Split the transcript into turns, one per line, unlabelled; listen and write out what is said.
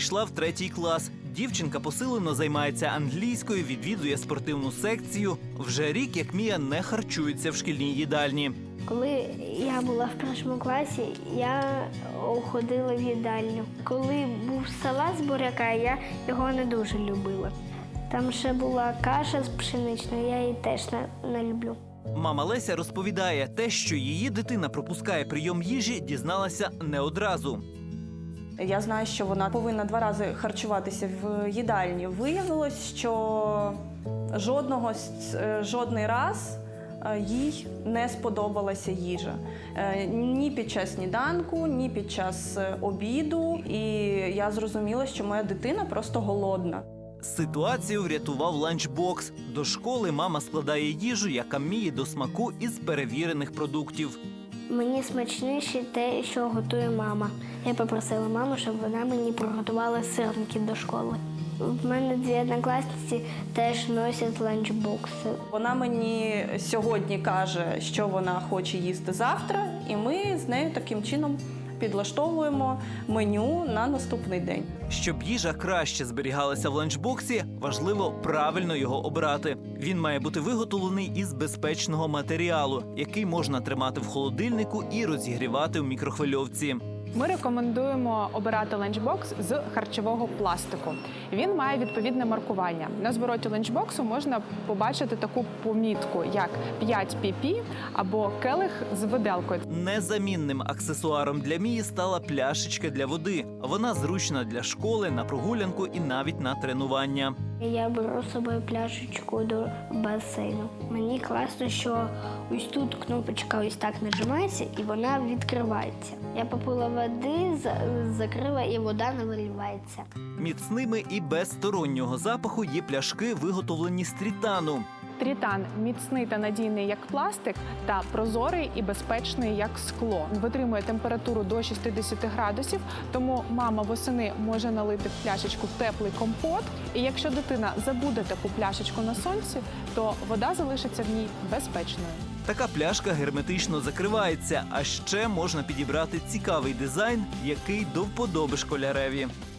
перейшла в 3-й клас. Дівчинка посилено займається англійською, відвідує спортивну секцію. Вже рік, як Мія не харчується в шкільній їдальні.
Коли я була в 1 класі, я ходила в їдальню. Коли був салат з буряка, я його не дуже любила. Там ще була каша з пшеничною, я її теж не люблю.
Мама Леся розповідає, те, що її дитина пропускає прийом їжі, дізналася не одразу.
Я знаю, що вона повинна 2 рази харчуватися в їдальні. Виявилось, що жодний раз їй не сподобалася їжа. Ні під час сніданку, ні під час обіду. І я зрозуміла, що моя дитина просто голодна.
Ситуацію врятував ланчбокс. До школи мама складає їжу, яка Мії до смаку із перевірених продуктів.
Мені смачніше те, що готує мама. Я попросила маму, щоб вона мені приготувала сирники до школи. В мене 2 однокласниці теж носять ланчбокси.
Вона мені сьогодні каже, що вона хоче їсти завтра, і ми з нею таким чином підлаштовуємо меню на наступний день.
Щоб їжа краще зберігалася в ланчбоксі, важливо правильно його обрати. Він має бути виготовлений із безпечного матеріалу, який можна тримати в холодильнику і розігрівати в мікрохвильовці.
Ми рекомендуємо обирати ланчбокс з харчового пластику. Він має відповідне маркування. На звороті ланчбоксу можна побачити таку помітку, як 5 pp або келих з виделкою.
Незамінним аксесуаром для Мії стала пляшечка для води. Вона зручна для школи, на прогулянку і навіть на тренування.
Я беру з собою пляшечку до басейну. Мені класно, що ось тут кнопочка ось так нажимається і вона відкривається. Я попила води, закрила і вода не виливається.
Міцними і без стороннього запаху є пляшки, виготовлені з трітану.
Трітан міцний та надійний як пластик та прозорий і безпечний як скло. Витримує температуру до 60 градусів, тому мама восени може налити в пляшечку теплий компот. І якщо дитина забуде таку пляшечку на сонці, то вода залишиться в ній безпечною.
Така пляшка герметично закривається, а ще можна підібрати цікавий дизайн, який до вподоби школяреві.